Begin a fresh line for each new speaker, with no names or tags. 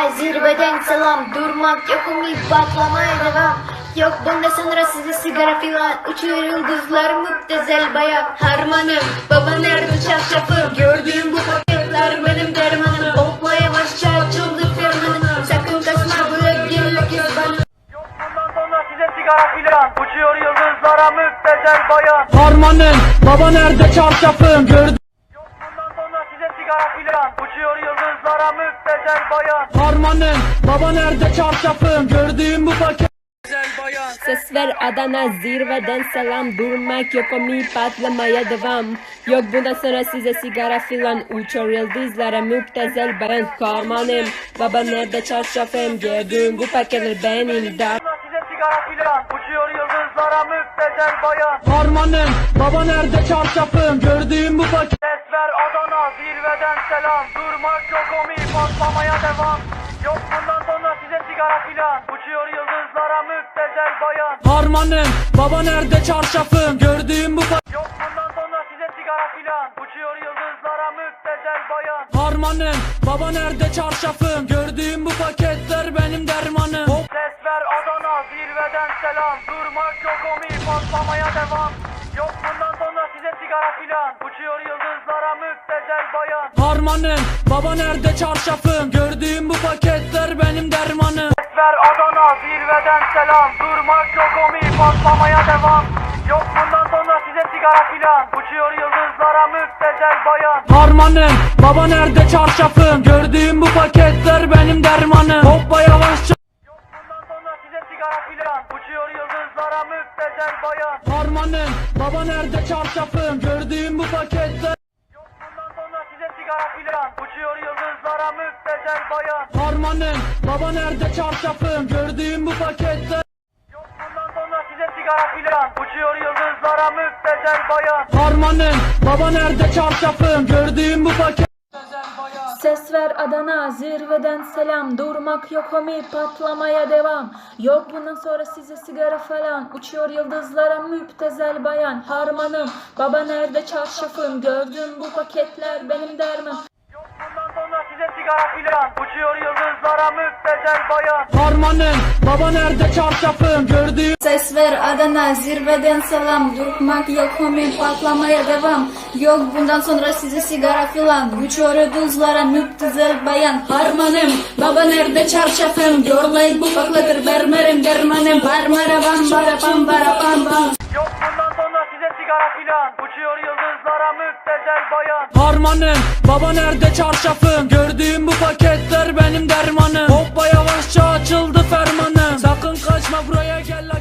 Adana zirveden selam. Durmak yok, umut patlamaya devam. Yok bundan sonra size sigara filan. Uçuyor yıldızlar müptezel bayan. Harmanım, baba nerede çarşafım? Gördüğüm bu paketler benim dermanım. Hopla yavaşça açıldı fermanım. Sakın kaçma böyle girlik iz bana.
Yok bundan sonra size sigara filan. Uçuyor yıldızlara müptezel bayan.
Harmanım, baba nerede çarşafım? Gördüm.
Yok bundan sonra size sigara filan. Uçuyor yıldızlara müptezel bayan.
Harmanım, baba nerede çarşafım? Gördüğüm bu paket.
Ses ver Adana zirveden selam. Durmak yok, omi patlamaya devam. Yok bundan sonra size sigara filan. Uçuyor yıldızlara müptezel bayan. Harmanım, baba nerede çarşafım? Gördüğüm bu paketler benim dar.
Sonra size sigara filan. Uçuyor yıldızlara müptezel bayan.
Harmanım, baba nerede çarşafım? Gördüğüm bu paket.
Ses ver Adana zirveden selam. Durmak yok, omi patlamaya devam. Yok bundan sonra size sigara filan. Uçuyor yıldızlara müptezel bayan.
Harmanım, baba nerede çarşafım? Gördüğüm bu paket.
Yok bundan sonra size sigara filan. Uçuyor yıldızlara müptezel bayan.
Harmanım, baba nerede çarşafım? Gördüğüm bu paketler benim dermanım. Hop.
Ses ver Adana zirveden selam. Durmak yok, omi patlamaya devam. Yok bundan sonra size sigara filan. Uçuyor yıldızlara müptezel bayan.
Harmanım, baba nerede çarşafım? Gördüğüm bu paketler benim dermanım.
Ses ver Adana zirveden selam. Durmak yok, omi patlamaya devam. Yok bundan sonra size sigara filan. Uçuyor yıldızlara müptezel bayan.
Harmanım, baba nerede çarşafım? Gördüğüm bu paketler benim dermanım. Hoppa yavaşça.
Yok bundan sonra size sigara filan. Uçuyor yıldızlara müptezel bayan.
Harmanım, baba nerede çarşafım? Gördüğüm bu paketler.
Yok bundan sonra size sigara filan. Uçuyor yıldızlara müptezel bayan.
Harmanım, baba nerede çarşafım? Gördüğüm bu paketler.
Yok bundan sonra size sigara filan. Uçuyor yıldızlara müptezel bayan.
Harmanım, baba nerede çarşafım? Gördüğüm bu paket.
Ses ver Adana zirveden selam. Durmak yok, omi patlamaya devam. Yok bundan sonra size sigara falan. Uçuyor yıldızlara müptezel bayan. Harmanım, baba nerede çarşafım? Gördüğüm bu paketler benim dermanım.
Yok bundan sonra size sigara filan. Uçuyor yıldızlara müptezel bayan.
Harmanım, baba nerede çarşafım? Gördüğüm.
Ses ver Adana zirveden selam. Durmak yok, omi patlamaya devam. Yok bundan sonra size sigara filan. Uçuyor yıldızlara müptezel bayan. Harmanım, baba nerede çarşafım? Görley bu paketler bermerim dermanım. Barmara bam bara bam bara bam bam.
Yok bundan sonra size sigara filan. Uçuyor yıldızlara müptezel bayan.
Harmanım, baba nerede çarşafım? Gördüğüm bu paketler benim dermanım. Hoppa yavaşça açıldı fermanım. Sakın kaçma buraya gel.